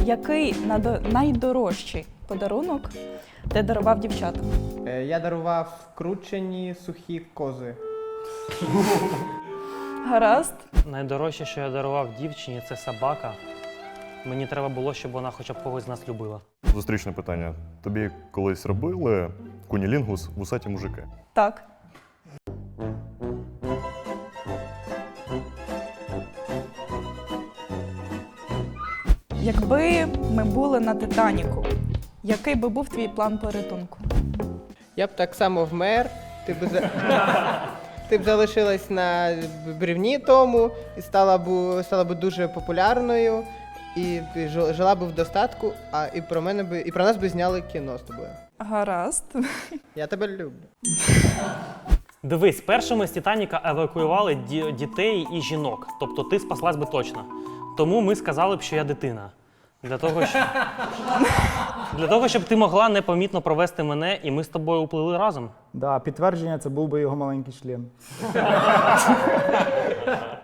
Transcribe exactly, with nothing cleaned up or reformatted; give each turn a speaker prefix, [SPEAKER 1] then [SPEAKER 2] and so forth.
[SPEAKER 1] Який надо- найдорожчий подарунок ти дарував дівчатам?
[SPEAKER 2] Е, Я дарував кручені сухі кози.
[SPEAKER 1] Гаразд.
[SPEAKER 3] Найдорожче, що я дарував дівчині, це собака. Мені треба було, щоб вона хоча б когось з нас любила.
[SPEAKER 4] Зустрічне питання. Тобі колись робили кунілінгус вусаті мужики?
[SPEAKER 1] Так. Якби ми були на Титаніку, який би був твій план порятунку?
[SPEAKER 2] Я б так само вмер, ти б, за... ти б залишилась на бревні тому і стала б, стала б дуже популярною, і ти жи- жила б в достатку, а і про мене би, і про нас би зняли кіно з тобою.
[SPEAKER 1] Гаразд.
[SPEAKER 2] Я тебе люблю.
[SPEAKER 3] Дивись, першими з Титаніка евакуювали ді- дітей і жінок. Тобто ти спаслась би точно. Тому ми сказали б, що я дитина. Для того, щоб... Для того, щоб ти могла непомітно провести мене, і ми з тобою уплили разом.
[SPEAKER 5] Да, підтвердження це був би його маленький член.